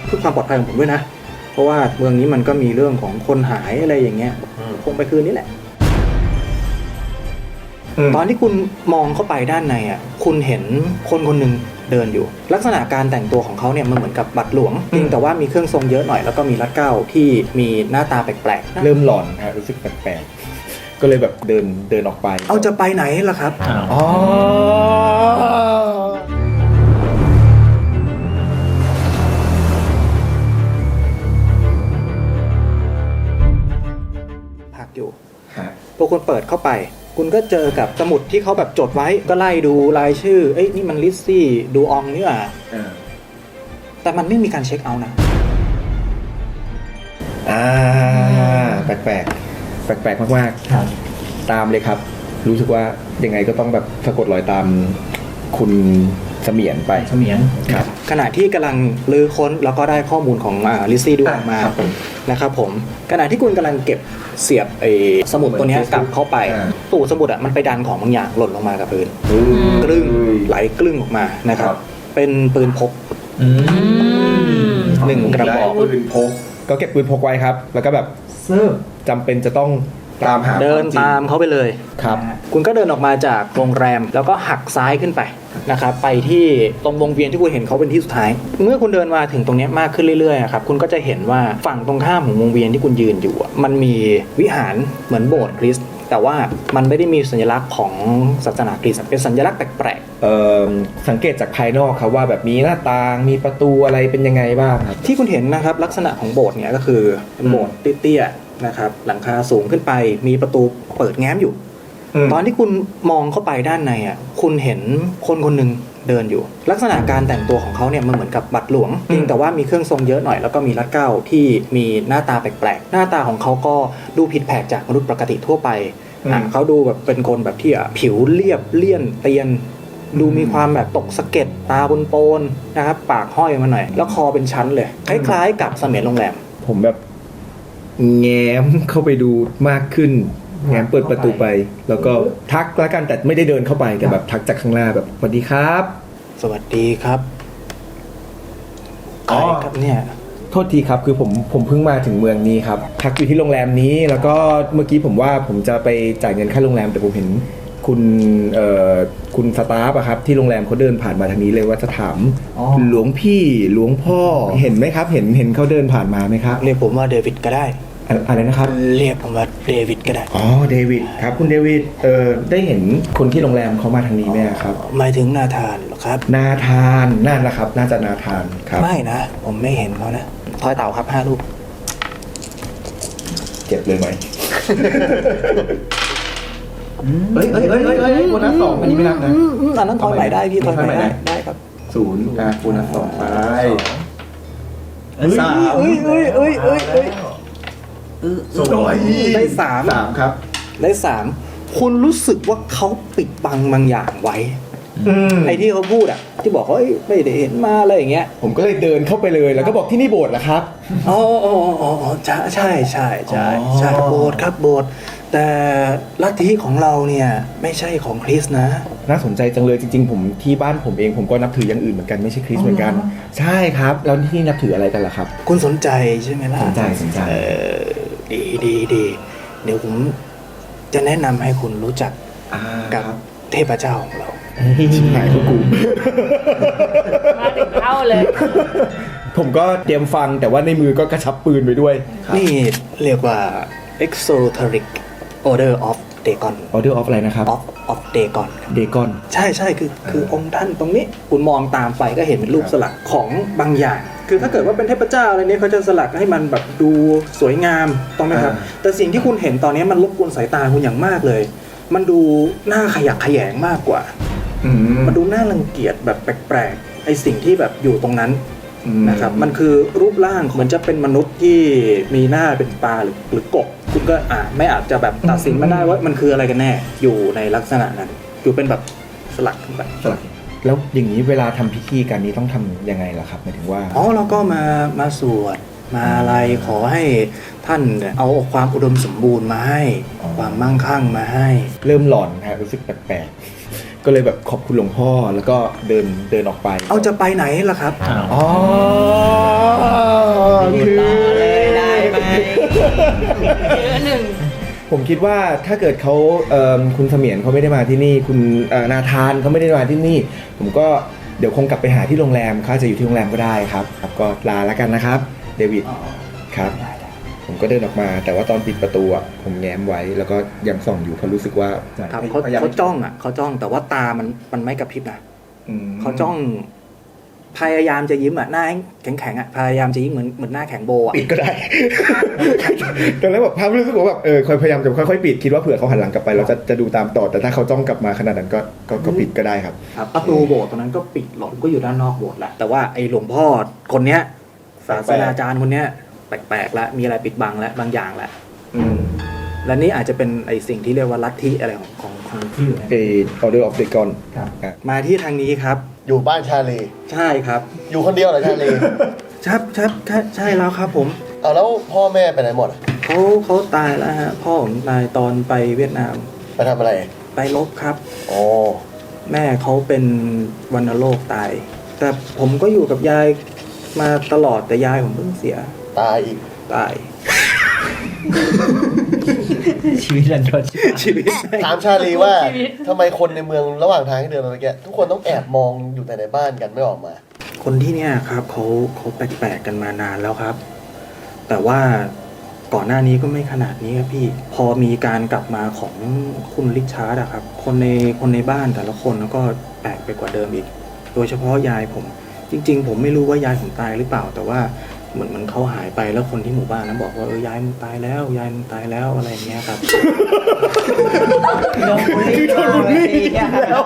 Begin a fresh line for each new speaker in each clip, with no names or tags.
เพื่อความปลอดภัยของผมด้วยนะเพราะว่าเมืองนี้มันก็มีเรื่องของคนหายอะไรอย่างเงี้ยคงไปคืนนี้แหละตอนที่คุณมองเข้าไปด้านในอ่ะคุณเห็นคนคนหนึ่งเดินอยู่ลักษณะการแต่งตัวของเขาเนี่ยมันเหมือนกับบัตรหลวงเพียงแต่ว่ามีเครื่องทรงเยอะหน่อยแล้วก็มีรัดเกล้าที่มีหน้าตาแปลกๆ
เริ่มหลอนฮะรู้สึกแปลกๆก็เลยแบบเดินออกไป
เอาจะไปไหนล่ะครับ
อ๋อ
พักอยู่พอคุณเปิดเข้าไปคุณก็เจอกับสมุดที่เขาแบบจดไว้ก็ไล่ดูรายชื่อเอ้ยนี่มันลิซซี่ดูอองนี่หว่าแต่มันไม่มีการเช็คเอาท์นะ
แปลกมากๆตามเลยครับรู้สึกว่ายังไงก็ต้องแบบสะกดรอยตามคุณเสมียนไป
เสมียน
ครับขณะที่กำลังลื้อค้นแล้วก็ได้ข้อมูลของลิซซี่ดูออกมานะครับผมขณะที่คุณกำลังเก็บเสียบไอ้สมุดตัวนี้กลับเข้าไปตู้สมุดอ่ะมันไปดันของบางอย่างหล่นลงมากับพื้นกลึ้งไหลกลึ้งออกมานะครับเป็นปืนพก1 กระบอก
ปืนพกก็เก็บปืนพกไว้ครับแล้วก็แบบจำเป็นจะต้องตามหา
เดินตามเขาไปเลย
ครับ
คุณก็เดินออกมาจากโรงแรมแล้วก็หักซ้ายขึ้นไปนะครับไปที่ตรงวงเวียนที่คุณเห็นเขาเป็นที่สุดท้ายเมื่อคุณเดินมาถึงตรงนี้มากขึ้นเรื่อยๆครับคุณก็จะเห็นว่าฝั่งตรงข้ามของวงเวียนที่คุณยืนอยู่มันมีวิหารเหมือนโบสถ์คริสต์แต่ว่ามันไม่ได้มีสัญลักษณ์ของศาสนาคริสต์เป็นสัญลักษณ์แปลก
ๆสังเกตจากภายนอกครับว่าแบบมีหน้าต่างมีประตูอะไรเป็นยังไงบ้างครับ
ที่คุณเห็นนะครับลักษณะของโบสถ์เนี่ยก็คือโบสถ์เตี้ยๆนะครับหลังคาสูงขึ้นไปมีประตูเปิดแง้มอยู่ตอนที่คุณมองเข้าไปด้านในอ่ะคุณเห็นคนคนหนึ่งเดินอยู่ลักษณะการแต่งตัวของเขาเนี่ยมันเหมือนกับบัตรหลวงเพียงแต่ว่ามีเครื่องทรงเยอะหน่อยแล้วก็มีรัดเกล้าที่มีหน้าตาแปลกๆหน้าตาของเขาก็ดูผิดแผกจากมนุษย์ปกติทั่วไปเขาดูแบบเป็นคนแบบที่ผิวเรียบเลี่ยนเตียนดูมีความแบบตกสะเก็ดตาโปนๆนะครับปากห้อยมาหน่อยแล้วคอเป็นชั้นเลยคล้ายๆกับเสมียนโรงแรม
ผมแบบแง้มเข้าไปดูมากขึ้นแง้มเปิดประตูไปแล้วก็ทักแล้วกันแต่ไม่ได้เดินเข้าไปแต่แบบทักจากข้างหน้าแบบสวัสดีครับ
สวัสดีครับใครครับเนี่ย
โทษทีครับคือผมเพิ่งมาถึงเมืองนี้ครับพักอยู่ที่โรงแรมนี้แล้วก็เมื่อกี้ผมว่าผมจะไปจ่ายเงินค่าโรงแรมแต่ผมเห็นคุณสตาฟอะครับที่โรงแรมเขาเดินผ่านมาทางนี้เลยว่าจะถามหลวงพี่หลวงพ่อเห็นไหมครับเห็นเขาเดินผ่านมาไหมครับ
เรียกผมว่าเดวิดก็ได้
อะไรนะครับ
เรียกผมว่าเดวิดก็ได้
อ๋อเดวิดครับคุณเดวิดได้เห็นคนที่โรงแรมเขามาทางนี้ไหมครับ
หมายถึงนาธานเหรอครับ
นาธานนั่นแหละครับน่าจะนาธานครับ
ไม่นะผมไม่เห็นเขานะทอยเต่าครับ5 ลูก
เจ็บเลยไหม
เฮ้ยโบนัส2อันนี้ไม่นับนะ
อันนั้นทอยใหม่ได้พี่ทอยใหม่ได้ครับ
0โบนัส2ไป
3
ได้3
ครับ
ได้3คุณรู้สึกว่าเขาปิดบังบางอย่างไว้ไอ้ที่เขาพูดอ่ะที่บอกเขาไม่ได้เห็นมาอะไรอย่างเงี้ย
ผมก็เลยเดินเข้าไปเลยแล้วก็บอกที่นี่โบสถ์เหรอครับ
อ๋อใช่โบสถ์ครับโบสถ์แต่ลัทธิของเราเนี่ยไม่ใช่ของคริสต์นะ
น่าสนใจจังเลยจริงๆผมที่บ้านผมเองผมก็นับถืออย่างอื่นเหมือนกันไม่ใช่คริสต์เหมือนกันใช่ครับแล้วที่นี่นับถืออะไรกันล่ะครับ
คุณสนใจใช่ไหมล่ะ
สนใจ
ดีเดี๋ยวผมจะแนะนำให้คุณรู้จักกับเทพเจ้าของเรา
ชิบหายกู
มาถึงเข้าเลย
ผมก็เตรียมฟังแต่ว่าในมือก็กระชับปืนไปด้วย
นี่เรียกว่า Exoteric Order of Dagon
Order of อะไรนะครับ
of Dagon
Dagon
ใช่คือองค์ท่านตรงนี้คุณมองตามไปก็เห็นเป็นรูปสลักของบางอย่างคือถ้าเกิดว่าเป็นเทพเจ้าอะไรนี้เขาจะสลักให้มันแบบดูสวยงามต้องไหมครับแต่สิ่งที่คุณเห็นตอนนี้มันรบกวนสายตาคุณอย่างมากเลยมันดูน่าขยักขยงมากกว่ามันดูน่ารังเกียจแบบแปลกๆไอสิ่งที่แบบอยู่ตรงนั้นนะครับมันคือรูปร่างเหมือนจะเป็นมนุษย์ที่มีหน้าเป็นปลาหรือกบคุณก็ไม่อาจจะแบบตัดสินมาได้ว่ามันคืออะไรกันแน่อยู่ในลักษณะนั้นอยู่เป็นแบบสลักขึ้นไป
สลักแล้วอย่างนี้เวลาทำพิธีการนี้ต้องทำยังไงล่ะครับหมายถึงว่า
เราก็มาสวดมาอะไรขอให้ท่านเอาความอุดมสมบูรณ์มาให้ความมั่งคั่งมาให้
เริ่มหลอนฮะรู้สึกแปลกก็เลยแบบขอบคุณหลวงพ่อแล้วก็เดินออกไป
เอาจะไปไหนล่ะครับ
อ๋อคือ
เลยได้ไหมเยอะหนึ่ง
ผมคิดว่าถ้าเกิดเขาคุณเสมียนเขาไม่ได้มาที่นี่คุณนาธานเขาไม่ได้มาที่นี่ ผมก็เดี๋ยวคงกลับไปหาที่โรงแรมเขาจะอยู่ที่โรงแรมก็ได้ครับก็ลาแล้วกันนะครับเดวิดครับผมก็เดินออกมาแต่ว่าตอนปิดประตูอ่ะผมแง้มไว้แล้วก็ยังส่องอยู่เพราะรู้สึกว่า
ครับเขาจ้องอ่ะเขาจ้องแต่ว่าตามันไม่กระพริบนะเขาจ้องพยายามจะยิ้มอ่ะหน้าแข็งๆอ่ะพยายามจะยิ้มเหมือนหน้าแข็งโบอ่ะ
ปิดก็ได้ ตอนแรกแบบภาพรู้สึกว่าแบบคอยพยายามจะค่อยๆปิดคิดว่าเผื่อเขาหันหลังกลับไปเราจะดูตามต่อแต่ถ้าเขาจ้องกลับมาขนาดนั้นก็ปิดก็ได้ครับ
ครับประตูโบสถ์ตรงนั้นก็ปิดหลอมก็อยู่ด้านนอกโบสถ์แหละแต่ว่าไอ้หลวงพ่อคนเนี้ยศาสนาจารย์คนเนี้ยแปลกๆแล้วมีอะไรปิดบังแล้วบางอย่างแล้วและนี่อาจจะเป็นไอ้สิ่งที่เรียกว่าลัทธิอะไรของที่อยู่เนี่ย
Order of the Dagon
มาที่ทางนี้ครับ
อยู่บ้านชาลี
ใช่ครับ
อยู่คนเดียวเหรอชาลี
ใช่แล้วครับผม
เอาแล้วพ่อแม่ไปไหนหมดอะ
เขาตายแล้วฮะพ่อผมตายตอนไปเวียดนาม
ไปทำอะไร
ไปรบครับ
อ๋อ
แม่เขาเป็นวัณโรคตายแต่ผมก็อยู่กับยายมาตลอดแต่ยายผมเพิ่งเสีย
ตายอีก
ตาย
ชีวิตรันทด
ชีวิต
ถามชาลีว่าทำไมคนในเมืองระหว่างทางที่เดินมาเมื่อกี้ทุกคนต้องแอบมองอยู่แต่ในบ้านกันไม่ออกมา
คนที่เนี่ยครับเขาแปลกๆกันมานานแล้วครับ แต่ว่าก่อนหน้านี้ก็ไม่ขนาดนี้ครับพี่พอมีการกลับมาของคุณริชาร์ดอะครับคนในบ้านแต่ละคนแล้วก็แปลกไปกว่าเดิมอีก โดยเฉพาะยายผม จริง ๆ ผมไม่รู้ว่ายายผมตายหรือเปล่า แต่ว่าเหมือนเขาหายไปแล้วคนที่หมู่บ้านนั้นบอกว่ายายมึงตายแล้วยายมึงตายแล้วอะไรอย่างเงี้ยครับ
โดนบุลลี่แล้ว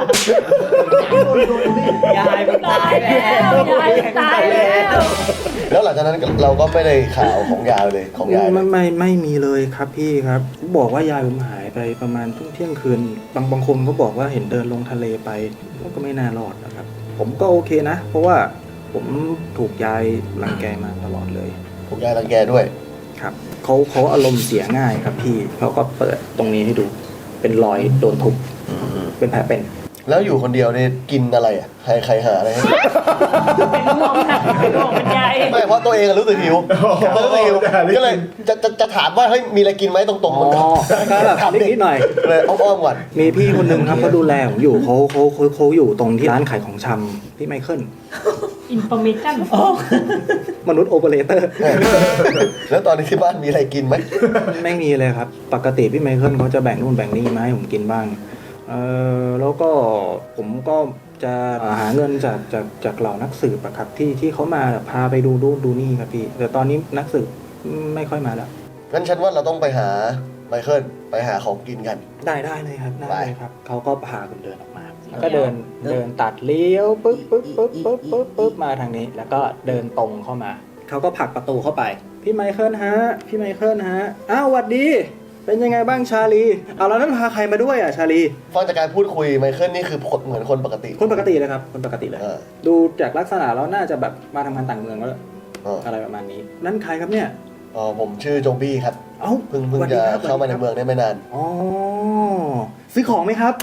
ยายมันตายแล้วยายมันตายแล้ว
แล้วหลังจากนั้นเราก็ไม่ได้ข่าวของยายเลยของยายเลย
ไม่มีเลยครับพี่ครับบอกว่ายายผมหายไปประมาณเที่ยงคืนบางคนก็บอกว่าเห็นเดินลงทะเลไปก็ไม่น่ารอดนะครับ ผมก็โอเคนะ เพราะว่าผมถูกยายรังแกมาตลอดเลย
ถูกยายรังแกด้วย
ครับเขาอารมณ์เสียง่ายครับพี่เขาก็เปิดตรงนี้ให้ดูเป็นรอยโดนทุบเป็นแผลเป็น
แล้วอยู่คนเดียวเนี่ยกินอะไรอ่ะใครหาอะไรให้
เป็นห่วงค่ะเป็นห่วงเป็นใย
ไม่เพราะตัวเองอะรู้สึกหิวรู้สึกหิวก็เลยจะถามว่าเฮ้ยมีอะไรกินไหมตรงๆมันก็
ก็แบบนิดหน่อย
เลยอ้อมๆก่อน
มีพี่คนหนึ่งครับเขาดูแลผมอยู่เขาอยู่ตรงที่ร้านขายของชำพี่ไมเคิล
อินโฟมิชั่น
มนุษย์โอเปอเรเตอร์
แล้วตอนนี้ที่บ้านมีอะไรกินไหม
ไม่มีเลยครับ ปกติพี่ไมเคิลเขาจะแบ่งนู่นแบ่งนี่มาให้ผมกินบ้างแล้วก็ผมก็จะหาเงินจากเหล่านักสืบอะครับที่เขามาพาไปดูนี่ครับพี่แต่ตอนนี้นักสืบไม่ค่อยมาแล้ว
งั้นฉันว่าเราต้องไปหาไมเคิลไปหาของกินกัน
ได้เลยครับได้เลยครับเขาก็พาผมเดินออกมาแล้วก็เดินตัดเลี้ยวปึ๊บมาทางนี้ แล้วก็เดินตรงเข้ามาเขาก็ผลักประตูเข้าไปพี่ไมเคิลฮะอ้าวสวัสดีเป็นยังไงบ้างชาลีเอาแล้วนั่นพาใครมาด้วยอ่ะชาลี
ฟังจากการพูดคุยไมเคิลนี่คือเหมือนคนปกติ
คนปกติเลยครับคนปกติเลย ดูจากลักษณะแล้วน่าจะแบบมาทำงานต่างเมืองแล้ว อะไรประมาณนี้นั่นใครครับเนี่ย
อ๋อผมชื่อโจงบี้ครับ
เอ้า
เพิ่งจะเข้ามาในเมืองได้ไม่นาน
อ๋อซื้อของไหมครับ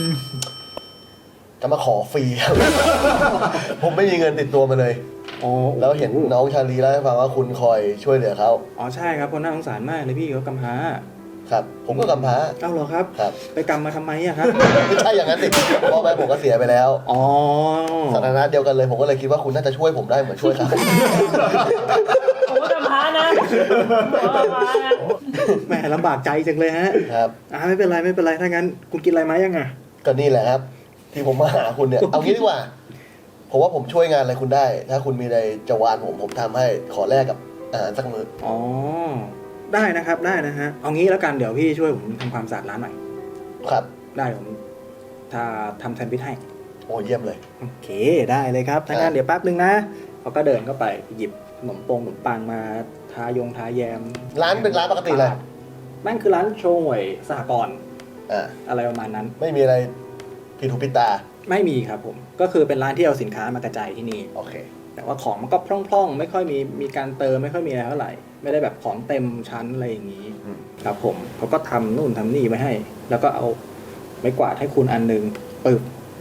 จะมาขอฟรีครับ ผมไม่มีเงินติดตัวมาเลย
อ๋อ
แล้วเห็นน้องชาลีเล่าให้ฟังว่าคุณคอยช่วยเหลือเขา
อ๋อใช่ครับคนน่าสงสารมากเลยพี่เขากำพร้า
ครับ ผมก็กำพร้า
เอ้าเหรอครับ
ครับ
ไปกำมาทำไมอะครับ
ไม่ใช่อย่างนั้นสิพ่อแม่ผมก็เสียไปแล้ว
อ๋อ
สถานะเดียวกันเลยผมก็เลยคิดว่าคุณน่าจะช่วยผมได้เหมือนช่วยเขา
ผมก็กำพร้านะผมก็กำพร้านะ
แหมลำบากใจจังเลยฮะ
ครับ
ไม่เป็นไรถ้างั้นคุณกินอะไรมายังอะ
ก็นี่แหละครับ ที่ผมมาหาคุณเนี่ย เอางี้ดีกว่า ผมว่าผมช่วยงานอะไรคุณได้ ถ้าคุณมีอะไรจะวานผมทำให้ขอแลกกับอาหารสักมื้อ
อ๋อได้นะครับได้นะฮะเอางี้แล้วกันเดี๋ยวพี่ช่วยผมทำความสะอาดร้านหน่อย
ครับ
ได้ผมถ้าทำแซนด์วิชให้
โอ้เยี่ยมเลย
โอเคได้เลยครับถ้างั้นเดี๋ยวแป๊บนึงนะเขาก็เดินเข้าไปหยิบขนมปังมาทาแยม
ร้านเป็นร้านปกติเลย
นั่นคือร้านโชห่วยสหกรณ์
อ่า
อะไรประมาณนั้น
ไม่มีอะไรผิดหูผิดตา
ไม่มีครับผมก็คือเป็นร้านที่เอาสินค้ามากระจายที่นี่
โอเค
แต่ว่าของมันก็พร่องๆ ไม่ค่อยมีการเติมไม่ค่อยมีอะไรเท่าไหร่ไม่ได้แบบของเต็มชั้นอะไรอย่างนี้
อืม
ครับผมเขาก็ทำนู่นทำนี่ไว้ให้ แล้วก็เอาไม้กวาดให้คุณอันนึงปึ๊บ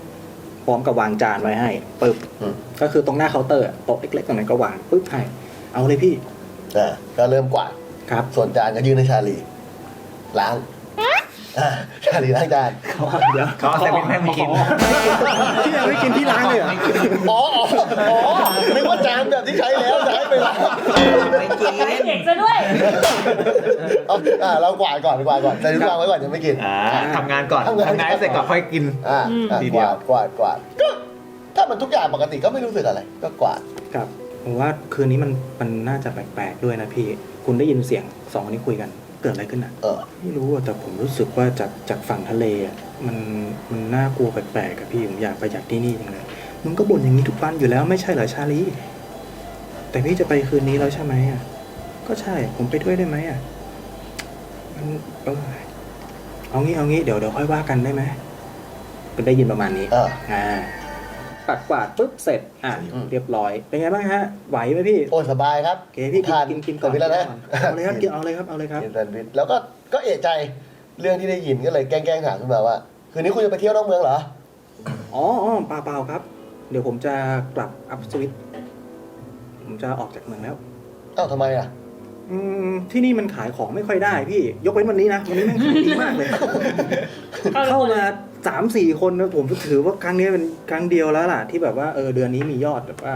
ร้อมกับวางจานไว้ให้ปึ๊บ
อืม
ก็คือตรงหน้าเคาน์เตอร์โต๊ะเล็กๆตรงนั้นก็วางปึ๊บให้เอาเลยพี่
ก็เริ่มกวาด
ครับ
ส่วนจานก็ยื่นให้ชาลีล้างชาลีล้างจาน
เดี๋ยว
เขาเอาแต่ไม่ไม่กิน
พี่ยังไม่กินพี่ล้างเลยเหรอ
อ๋อนึกว่าจานแบบที่ใช้แล้วจะให้ไปล้าง
ไม่กิน
เก่งซะด้วย
เรากวาดก่อนแต่ทุกวางไว้ก่อนยังไม่กิน
ทำงานก่อนทำงานเสร็จก่อนค่อยกิน ทีเดียว
กวาดก็ถ้ามันทุกอย่างปกติก็ไม่รู้สึกอะไร ก็กวาด
ครับผมว่าคืนนี้มันน่าจะแปลกๆด้วยนะพี่คุณได้ยินเสียงสองคนนี้คุยกันเกิดอะไรขึ้นอ่ะ ไม่รู้อะแต่ผมรู้สึกว่าจากฝั่งทะเลอะมันน่ากลัวแปลกๆกับพี่ผมอยากไปจากที่นี่จังเลยมึงก็บ่นอย่างนี้ทุกวันอยู่แล้วไม่ใช่เหรอชาลีแต่พี่จะไปคืนนี้แล้วใช่ไหมอ่ะก็ใช่ผมไปด้วยได้ไหมอ่ะมันเอางี้เดี๋ยวค่อยว่ากันได้ไหมก็ได้ยินประมาณนี้ปัดกวาดปุ๊บเสร็จเรียบร้อยเป็นไงบ้างฮะไหวไหมพี่
โอ้ยสบายครับ
โอเคพี่กินก่อน
แต่เวลานะ
เอาเลยครับเอาเลยครับ
กินแซนด์วิชแล้วก็เอะใจเรื่องที่ได้ยินก็เลยแกล้งถามขึ้นมาว่าคืนนี้คุณจะไปเที่ยวนอกเมืองเหรอ
อ๋อเปล่าครับ เดี๋ยวผมจะกลับอัพสวิตผมจะออกจากเมืองแล้ว
อ้าวทำไมอ่ะ
ที่นี่มันขายของไม่ค่อยได้พี่ยกเว้นวันนี้นะวันนี้แม่งขายดีมากเลย เข้ามา3-4 คนนะผมถือว่าครั้งนี้เป็นครั้งเดียวแล้วล่ะที่แบบว่าเดือนนี้มียอดแบบว่า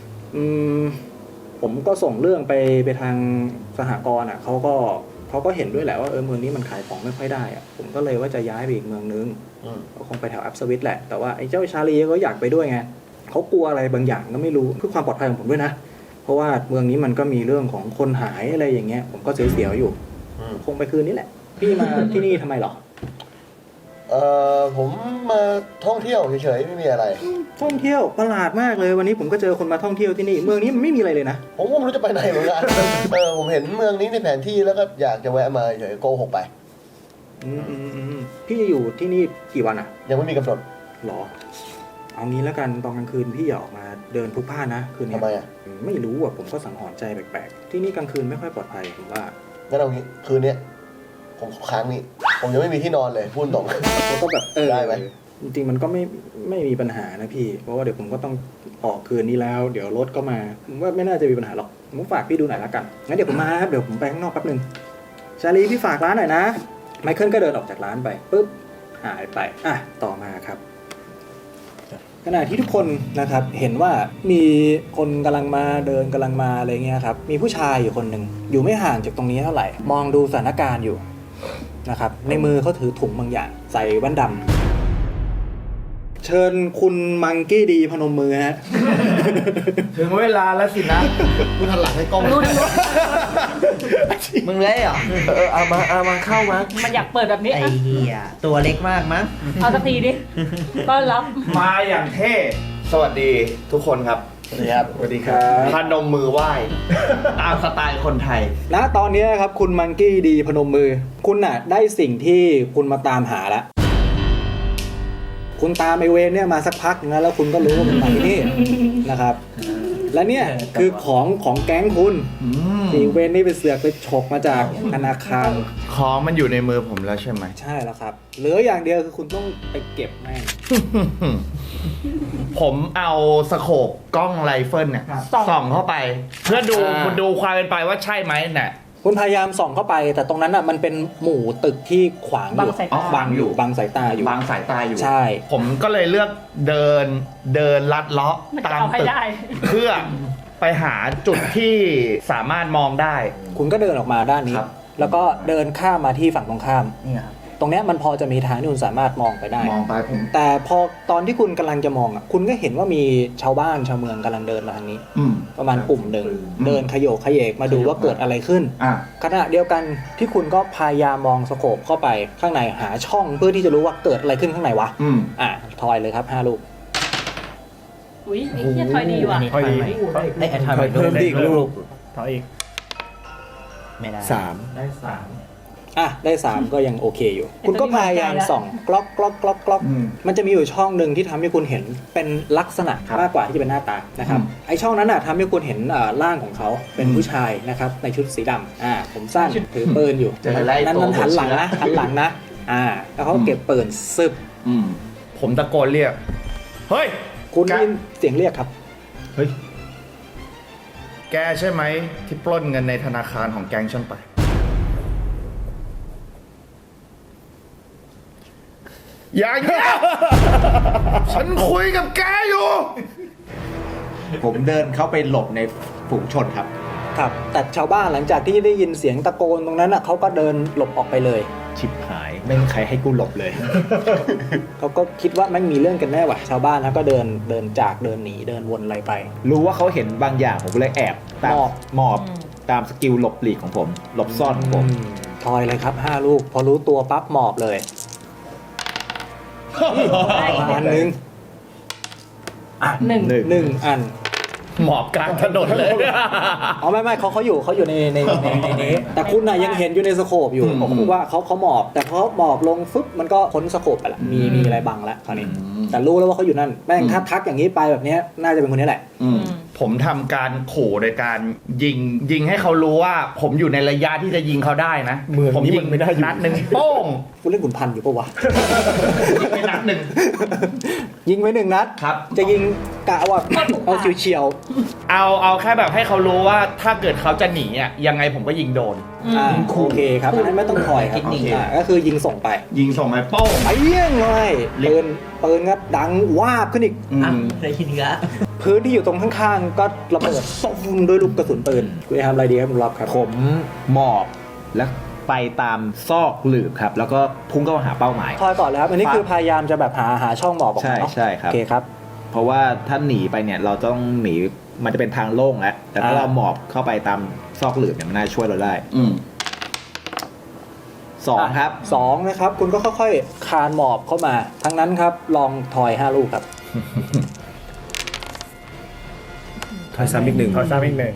ผมก็ส่งเรื่องไปทางสหกรณ์อ่ะเขาก็เห็นด้วยแหละว่าเมืองนี้มันขายของไม่ค่อยได้อ่ะผมก็เลยว่าจะย้ายไปอีกเมืองนึงก็คงไปแถวอัพสวิตแหละแต่ว่าไอ้เจ้าชาลีก็อยากไปด้วยไงเขากลัวอะไรบางอย่างก็ไม่รู้เพื่อความปลอดภัยของผมด้วยนะเพราะว่าเมืองนี้มันก็มีเรื่องของคนหายอะไรอย่างเงี้ยผมก็เสียวๆอยู่คงไปคืนนี้แหละพี่มา ที่นี่ทำไมหรอ
ผมมาท่องเที่ยวเฉยๆไม่มีอะไร
ท่องเที่ยวประหลาดมากเลยวันนี้ผมก็เจอคนมาท่องเที่ยวที่นี่เมืองนี้มันไม่มีอะไรเลยนะ
ผมก็ไม่รู้จะไปไหนเหมือนกัน ผมเห็นเมืองนี้ในแผนที่แล้วก็อยากจะแวะมาเฉยๆโกหกไป
พี่จะอยู่ที่นี่กี่วันอ่ะ
ยังไม่มีกำหนด
หรอเอางี้แล้วกันตอนกลางคืนพี่อย่าออกมาเดินพลุกพล่านนะคืนนี้
ทำไมอ่ะ
ไม่รู้อ่ะผมก็สังหรณ์ใจแปลกๆที่นี่กลางคืนไม่ค่อยปลอดภัยผมว่า
งั้นเอางี้คืนนี้ผมค้างนี่ผมยังไม่มีที่นอนเลยพูดตรง
แล้วก็แบบ
ได้ไหม
จริงๆมันก็ไม่มีปัญหานะพี่เพราะว่าเดี๋ยวผมก็ต้องออกคืนนี้แล้วเดี๋ยวรถก็มาผมว่าไม่น่าจะมีปัญหาหรอกผมฝากพี่ดูหน่อยละกันงั้นเดี๋ยวผมมาครับเดี๋ยวผมไปข้างนอกแป๊บนึงชาลีพี่ฝากร้านหน่อยนะไมเคิลก็เดินออกจากร้านไปปุ๊บหายไปต่อมาครับขณะที่ทุกคนนะครับเห็นว่ามีคนกำลังมาเดินกำลังมาอะไรเงี้ยครับมีผู้ชายอยู่คนหนึ่งอยู่ไม่ห่างจากตรงนี้เท่าไหร่มองดูสถานการณ์อยู่นะครับในมือเขาถือถุงบางอย่างใส่แว่นดำเชิญคุณมังกี้ดีพนมมือฮะ
ถึงเวลาแล้วสินะ
คุณหันหลังให้กล้อง
มึงเลยเหรอ
เอามาเข้ามา
มันอยากเปิดแบบนี้
ไอ้เหี้ยตัวเล็กมากมั้ง
เอาสักทีดิต้อนรับ
มาอย่างเท่ สวัสดีทุกคนครับ
สวัสดีครับ
สวัสดีครับพนมมือไหว้ ตามสไตล์คนไทย
ณตอนนี้ครับคุณมังกี้ดีพนมมือคุณน่ะได้สิ่งที่คุณมาตามหาแล้วคุณตามไอเวนเนี่ยมาสักพักนึงแล้วคุณก็รู้ว่ามันมาที่นี่นะครับ และเนี่ยคือของแก๊งคุณที่เวนนี่ไปเสือกไปฉกมาจากธนาคาร
ของมันอยู่ในมือผมแล้วใช่ไหม
ใช่แล้วครับเหลืออย่างเดียวคือคุณต้องไปเก็บแม่ง
ผมเอาสโคปกล้องไรเฟิลเนี่ยส่องเข้าไป เพื่อดูความเป็นไปว่าใช่ไหมเนี่ย
คุณพยายามส่องเข้าไปแต่ตรงนั้นอ่ะมันเป็นหมู่ตึกที่ขวางอยู่
บังสายตา
บังอยู่บังสายตาอยู่
บางสายตาอยู่
ใช่
ผมก็เลยเลือกเดินลัดเลาะ
มัน
ตา
จะ
ม
เอาให้
ตึก
ได้
เพื่อไปหาจุดที่สามารถมองได้
คุณก็เดินออกมาด้านนี้
ครับ
แล้วก็เดินข้ามมาที่ฝั่งตรงข้าม
นี่ครับ
ตรงเนี้ยมันพอจะมีทางที่คุณสามารถมองไปได้
มองไปผม
แต่พอตอนที่คุณกำลังจะมองอ่ะคุณก็เห็นว่ามีชาวบ้านชาวเมืองกำลังเดินมาทางนี้ ประมาณกลุ่มหนึ่งเดินขยโยกขยเยกมาดูว่าเกิดอะไรขึ้น ขณะเดียวกันที่คุณก็พยายามมองสโคปเข้าไปข้างในหาช่องเพื่อที่จะรู้ว่าเกิดอะไรขึ้นข้างในวะทอยเลยครับ5 ลูก
อุ้ยไอ้เหี้ยทอยดีว่ะ
ทอยดีไอ้ทอย
เพิ่มอีกลูก
ถอยอีก ไม่ได้
3
ได้
ได้ 3 ก็ยังโอเคอยู่ คุณก็พยายามส่องกล็อกมันจะมีอยู่ช่องหนึ่งที่ทำให้คุณเห็นเป็นลักษณะมากกว่าที่จะเป็นหน้าตานะครับไอช่องนั้นทำให้คุณเห็นร่างของเขาเป็นผู้ชายนะครับในชุดสีดำผมสั้นถือปืนอยู่
เจอไล่
นั้น
ตัว
หันหลังนะแล้วเขาเก็บปืนซึบ
ผมตะโกนเรียก
เฮ้ย
คุณได้ยินเสียงเรียกครับ
เฮ้ย แกใช่ไหมที่ปล้นเงินในธนาคารของแก๊งฉันไป อย่าเงี้ยฉันคุยกับแกอยู่
ผมเดินเข้าไปหลบในฝูงชนครับ
ครับ แต่ชาวบ้านหลังจากที่ได้ยินเสียงตะโกนตรงนั้นอ่ะเขาก็เดินหลบออกไปเลย
ชิบหายไม่มีใครให้กูหลบเลย
เขาก็คิดว่าไม่งมีเรื่องกันแน่ว่ะชาวบ้านนะก็เดินจากเดินหนีเดินวนอะไรไป
รู้ว่าเขาเห็นบางอย่างผมก็เลยแอบตามหมอบตามสกิลหลบหลีกของผม หลบซ่อนของผม
ทอยเลยครับ5 ลูก พอรู้ตัวปั๊บหมอบเลยอันหนึ่ง
หนึ่ง
หนึ่งอัน
หมอบกลางถนนเลย
อ๋อไม่เขาอยู่ในนี้แต่คุณน่ะยังเห็นอยู่ในสโคปอยู่ผมว่าเขาหมอบ แต่พอหมอบลงฟึบมันก็พ้นสโคปไปละมีอะไรบังแล้วคราวนี้แต่รู้แล้วว่าเขาอยู่นั่นแม่งถ้าทักอย่างนี้ไปแบบนี้น่าจะเป็นคนนี้แหละ
ผมทำการขู่โดยการยิงให้เขารู้ว่า ผมอยู่ในระยะที่จะยิงเขาได้นะ
เมือง
ผม
นี้
ยิ
มันไม่ได้อยู่
นัดหนึ่งโป้ง
คุณเล่นขุนพันธุ์อยู่ปะวะ
ยิงไปนัดหนึ่ง
ยิงไป1 นัด
ครับ
จะยิงกะว่าเอาเฉียว
เอาแค่แบบให้เขารู้ว่าถ้าเกิดเขาจะหนีอ่ะยังไงผมก็ยิงโดน
โอเคครับอันนั้นไม่ต้องคอยครับก็คือยิงส่งไป
ยิงส่งไปโป้ง
ไปเยี่ยงเลยปืนก็ดังวาบขึ้นอีก
ได้ยินกะ
พื้นที่อยู่ตรงข้างๆก็ระเบิดตุ้มด้วยลูกกระสุนปืนคุณจะทำอะไรดีครับคุณรับครับ
ผมหมอบแล้วไปตามซอกหลืบครับ แล้วก็พุ่งเข้าหาเป้าหมาย
ทอยก่อนเลยครับอันนี้คือพยายามจะแบบหาช่องหมอบออกมาเนาะ
ใช่ครับ
โอเคครับ
เพราะว่าถ้าหนีไปเนี่ยเราต้องหนีมันจะเป็นทางโล่งแล้วแต่ถ้าเราหมอบเข้าไปตามซอกหลืบเนี่ยมันน่าช่วยเราได้2ครับ
2นะครับคุณก็ค่อยๆคานหมอบเข้ามาทั้งนั้นครับลองทอย5 ลูกครับ
ทอยซ้ำอีกหนึ่ง
ขอซ้ำอีกหนึ่ง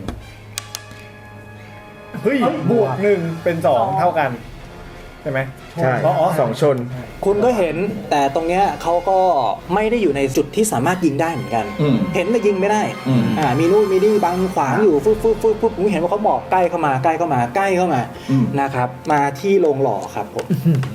เฮ้ยบวก1เป็น2เท่ากันใช่ไหมใช่สองชน
คุณก็เห็นแต่ตรงเนี้ยเขาก็ไม่ได้อยู่ในจุดที่สามารถยิงได้เหมือนกัน เห็นแต่ยิงไม่ได้มีนู่นมีนี่บังขวางอยู่ฟึบผมเห็นว่าเขาหมอบใกล้เข้ามานะครับมาที่โรงหล่อครับผม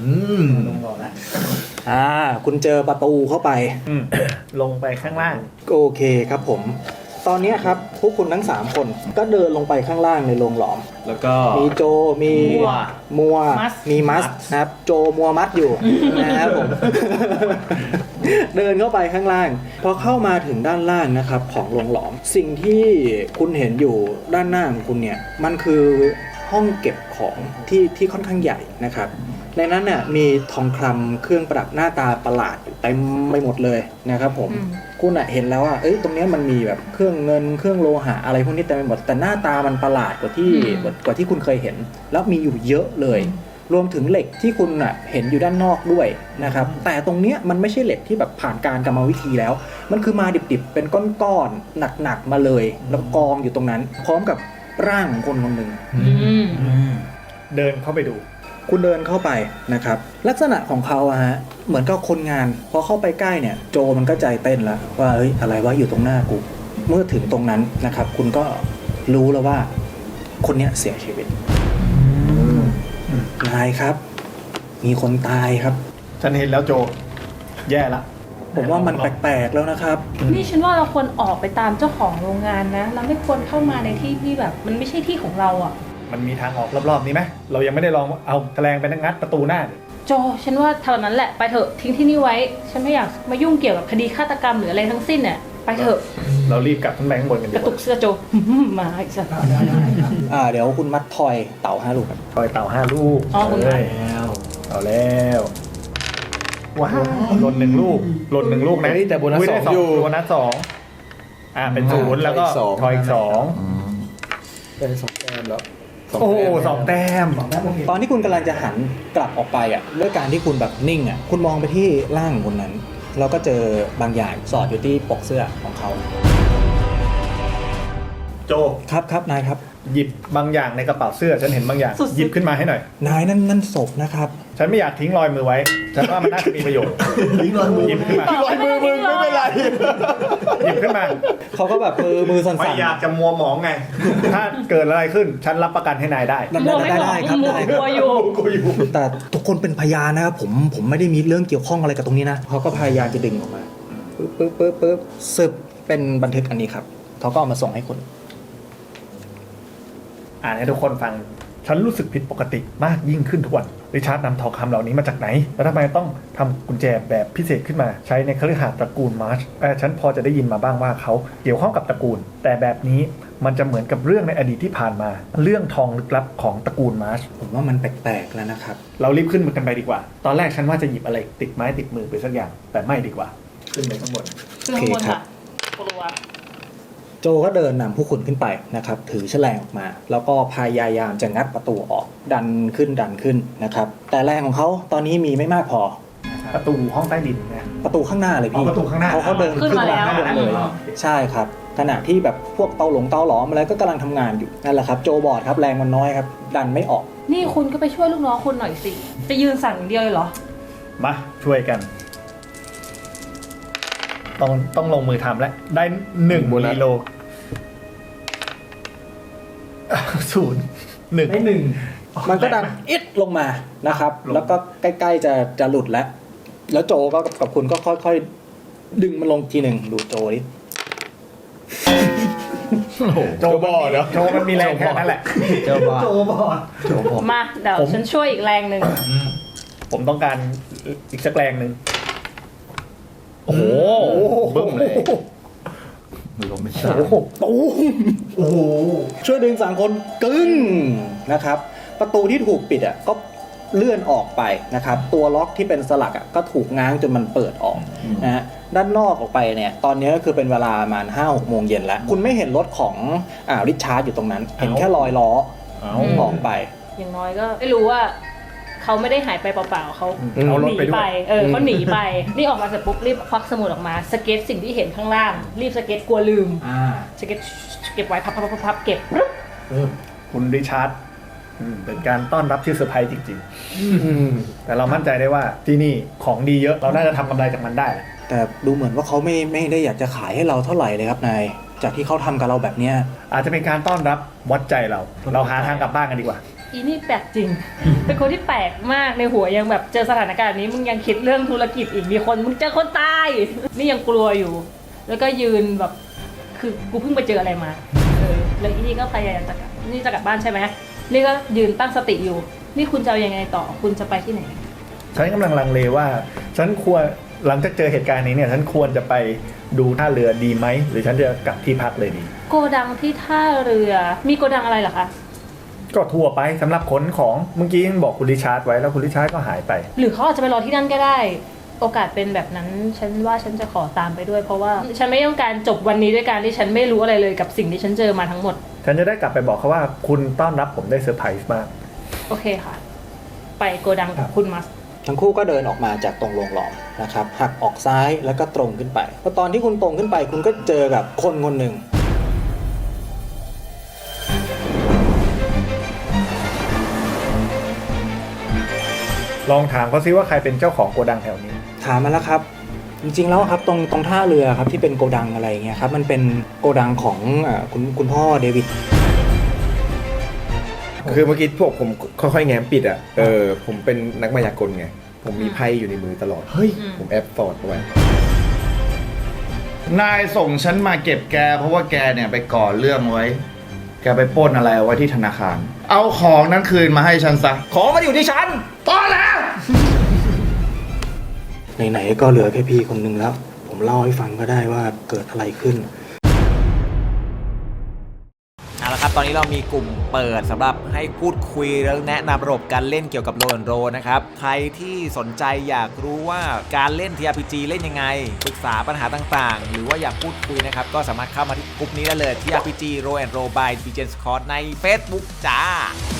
คุณเจอประตูเข้าไป
ลงไปข้างล่าง
โอเคครับผม ตอนนี้ครับพวกคุณทั้ง3 คนก็เดินลงไปข้างล่างในโรงหลอม
แล้วก็
มีโจมีมัวมีมัสนะครับโจมัวมัดอยู่นะครับผม เดินเข้าไปข้างล่าง พอเข้ามาถึงด้านล่างนะครับของโรงหลอมสิ่งที่คุณเห็นอยู่ด้านหน้าของคุณเนี่ยมันคือห้องเก็บของที่ค่อนข้างใหญ่นะครับ ในนั้นเนี่ยมีทองคำเครื่องประดับหน้าตาประหลาดอยู่เต็มไปหมดเลยนะครับผมคุณเห็นแล้วว่าตรงนี้มันมีแบบเครื่องเงินเครื่องโลหะอะไรพวกนี้เต็มไปหมดแต่หน้าตามันประหลาดกว่าที่คุณเคยเห็นแล้วมีอยู่เยอะเลยรวมถึงเหล็กที่คุณเห็นอยู่ด้านนอกด้วยนะครับแต่ตรงเนี้ยมันไม่ใช่เหล็กที่แบบผ่านการกรรมวิธีแล้วมันคือมาดิบๆเป็นก้อนๆหนักๆมาเลยแล้วกองอยู่ตรงนั้นพร้อมกับร่างของคนคนหนึ่ง
เดินเข้าไปดู
คุณเดินเข้าไปนะครับลักษณะของเขาเหมือนกับคนงานพอเข้าไปใกล้เนี่ยโจมันก็ใจเต้นแล้วว่าเฮ้ยอะไรวะอยู่ตรงหน้ากูเมื่อถึงตรงนั้นนะครับคุณก็รู้แล้วว่าคนเนี้ยเสียชีวิตนายครับมีคนตายครับ
ฉันเห็นแล้วโจ แย่ละ
ผมว่ามันแปลกๆแล้วนะครับ
นี่ฉันว่าเราควรออกไปตามเจ้าของโรงงานนะ เราไม่ควรเข้ามาในที่ที่แบบมันไม่ใช่ที่ของเราอ่ะ
มันมีทางออกรอบๆนี้ไหมเรายังไม่ได้ลองเอาแฉลงไปงัดประตูหน้า
โจฉันว่าเท่านั้นแหละไปเถอะทิ้งที่นี่ไว้ ฉันไม่อยากมายุ่งเกี่ยวกับคดีฆาตกรรมหรืออะไรทั้งสิ้นเนี่ยไปเถอะ
เรารีบกลับขึ้นไปข้างบนกันดี
กระ
ก
ตุ
ว่าก
เสื้อโจ มาอีกสัก
เดี๋ยวคุณมัดทอยเต่า5 ลูกครับ
ปล่อยเต่า5 ลูก
อ๋อคุณมัด
เอาแล้วว้าวหล่น1 ลูกหล่น1 ลูกนะ
แต่โบนัส
ได้
2อยู่
โบนัส2เป็น0แล้วก็ทอยอีก2
เป็น2 แต้มแล้ว
โอ้2 แต้ม
ตอนที่คุณกำลังจะหันกลับออกไปด้วยการที่คุณแบบนิ่งคุณมองไปที่ร่างของคนนั้นแล้วก็เจอบางอย่างสอดอยู่ที่ปกเสื้อของเขา
โจ
ครับนายครับ
หยิบบางอย่างในกระเป๋าเสื้อฉันเห็นบางอย่างหยิบขึ้นมาให้หน่อย
นายนั่นศพนะครับ
ฉันไม่อยากทิ้งรอยมือไว้ฉันว่ามันน่าจะมีประโยชน์หยิบขึ้นมา
รอยมือมึงไม่เป็นไร
หยิบขึ้นมา
เขาก็แบบมือสั่นๆ
ไม่อยากจะมัวหมองไง ถ้าเกิดอะไรขึ้นฉันรับประกันให้นายได้
ได้ครับ
มัว
ได้
กลัวอยู่
แต่ทุกคนเป็นพยานนะครับผมไม่ได้มีเรื่องเกี่ยวข้องอะไรกับตรงนี้นะเขาก็พยายามจะดึงออกมาปึ๊บซึบเป็นบันทึกอันนี้ครับเขาก็เอามาส่งให้คุณ
อ่านให้ทุกคนฟัง ฉันรู้สึกผิดปกติมากยิ่งขึ้นทุกวันริชาร์ดนำทองคำเหล่านี้มาจากไหนแล้วทำไมต้องทำกุญแจแบบพิเศษขึ้นมาใช้ในคฤหาสน์ตระกูลมาร์ชฉันพอจะได้ยินมาบ้างว่าเขาเกี่ยวข้องกับตระกูล แต่แบบนี้มันจะเหมือนกับเรื่องในอดีตที่ผ่านมาเรื่องทองลึกลับของตระกูลมาร์ช
ผมว่ามันแปลกๆแล้วนะครับ
เรารีบขึ้นกันไปดีกว่า ตอนแรกฉันว่าจะหยิบอะไรติดไม้ติดมือไปสักอย่าง แต่ไม่ดีกว่า ขึ้นไปข้างบน
คือข้างบนค่ะกลัว
โจก็เดินนำผู้คุณขึ้นไปนะครับถือแฉลงออกมา แล้วก็พยายามจะงัดประตูออกดันขึ้นนะครับแต่แรงของเขาตอนนี้มีไม่มากพอ
ประตูห้องใต้ดินนะ
ประตูข้างหน้าเลยพี่
ประตูข้างหน้า
เขาเดินขึ้นมาข้างบนเลยใช่ครับขณะที่แบบพวกเตาหลอมอะไรก็กำลังทำงานอยู่นั่นแหละครับโจบอดครับแรงมันน้อยครับดันไม่ออก
นี่คุณก็ไปช่วยลูกน้องคุณหน่อยสิจะยืนสั่งอย่างเดียวเลยเหรอ
มาช่วยกัน ต้องลงมือทำแล้วได้1กิโล0 1ได้1
มันก็ดันอิดลงมานะครับแล้วก็ใกล้ๆจะหลุดแล้วโจก็กับคุณก็ค่อยๆดึงมันลงทีหนึ่งดูโจดิ
โจบอดเนาะโจมันมีแรงแค่นั้นแหละ
โจบอด
มาเดี๋ยวฉันช่วยอีกแรงหนึ่ง
ผมต้องการอีกสักแรงหนึ่งโอ้โห
บึ้มเลย
ลมไม่
โอ้โหตูมโอ้โหช่วยดึงสามคนกึ้งนะครับประตูที่ถูกปิดอ่ะก็เลื่อนออกไปนะครับตัวล็อกที่เป็นสลักอ่ะก็ถูกง้างจนมันเปิดออกนะฮะด้านนอกออกไปเนี่ยตอนนี้ก็คือเป็นเวลาประมาณ 5-6 โมงเย็นแล้วคุณไม่เห็นรถของริชาร์ดอยู่ตรงนั้นเห็นแค่รอยล้อออกไป
อย่างน้อยก็ไม่รู้ว่าเขาไม่ได้หายไปเปล่าๆเขา
เอารถ
หนี
ไปด้ว
ไป
ย
เขาหนีไปนี่ออกมาเสร็จปุ๊บรีบควักสมุดออกมาสเก็ตสิ่งที่เห็นข้างล่างรีบสเก็ตกลัวลืมสเก็ตเก็บไว้พับเก็บ
คุณริชาร์ดเป็นการต้อนรับที่เซอร์ไพรส์จริงๆแต่เรามั่นใจได้ว่าที่นี่ของดีเยอะเราน่าจะทำกำไรจากมันได้
แต่ดูเหมือนว่าเขาไม่ได้อยากจะขายให้เราเท่าไหร่เลยครับนายจากที่เขาทำกับเราแบบเนี้ย
อาจจะเป็นการต้อนรับวัดใจเราหาทางกลับบ้านกันดีกว่า
อีนี่แปลกจริง เป็นคนที่แปลกมากในหัวยังแบบเจอสถานการณ์นี้มึงยังคิดเรื่องธุรกิจอีกมีคนมึงเจอคนตายนี่ยังกลัวอยู่ แล้วก็ยืนแบบคือกูเพิ่งไปเจออะไรมาแล้วอีนี่ก็พยายามจะกลับนี่จะกลับบ้านใช่ไหมนี่ก็ยืนตั้งสติอยู่นี่คุณจะเอายังไงต่อคุณจะไปที่ไหน
ฉันกำลังลังเลว่าฉันควรหลังจากเจอเหตุการณ์นี้เนี่ยฉันควรจะไปดูท่าเรือดีไหมหรือฉันจะกลับที่พักเลยดี
โกดังที่ท่าเรือมีโกดังอะไรเหรอคะ
ก็ทั่วไปสำหรับขนของเมื่อกี้ยังบอกคุณริชาร์ดไว้แล้วคุณริชาร์ดก็หายไป
หรือเขาอาจจะไปรอที่นั่นก็ได้ โอกาสเป็นแบบนั้นฉันว่าฉันจะขอตามไปด้วยเพราะว่าฉันไม่ต้องการจบวันนี้ด้วยการที่ฉันไม่รู้อะไรเลยกับสิ่งที่ฉันเจอมาทั้งหมด
ฉันจะได้กลับไปบอกเขาว่าคุณต้อนรับผมได้เซอร์ไพรส์มาก
โอเคค่ะ ไปโกดังกับคุณมัส
ทั้งคู่ก็เดินออกมาจากตรงโรงหลอมนะครับหักออกซ้ายแล้วก็ตรงขึ้นไปพอตอนที่คุณตรงขึ้นไปคุณก็เจอกับคนคนหนึ่ง
ลองถามเขาซิว่าใครเป็นเจ้าของโกดังแถวนี้
ถามมาแล้วครับ จริงๆแล้วครับตรงท่าเรือครับที่เป็นโกดังอะไรเงี้ยครับมันเป็นโกดังของคุณพ่อเดวิด
คือเมื่อกี้พวกผมค่อยๆแง้มปิดอ่ะผมเป็นนักมายากลไงผมมีไพ่อยู่ในมือตลอด
เฮ้ย
ผมแอบฟอร์ดเอาไว้
นายส่งฉันมาเก็บแกเพราะว่าแกเนี่ยไปก่อเรื่องไว้ แกไปปล้นอะไรเอาไว้ที่ธนาคาร เอาของนั้นคืนมาให้ฉันซะ
ของมันอยู่ที่ฉัน
ตอนแล้ว
ไหนๆก็เหลือแค่พี่คนหนึ่งแล้ว ผมเล่าให้ฟังก็ได้ว่าเกิดอะไรขึ้น
เอาละครับตอนนี้เรามีกลุ่มเปิดสำหรับให้พูดคุยแล้วแนะนำระบบการเล่นเกี่ยวกับโรนโรนะครับใครที่สนใจอยากรู้ว่าการเล่น TRPG เล่นยังไงปรึกษาปัญหาต่างๆหรือว่าอยากพูดคุยนะครับก็สามารถเข้ามาที่กลุ่มนี้ได้เลย TRPG Roll and Roll by DJ Scott ใน Facebook จ้า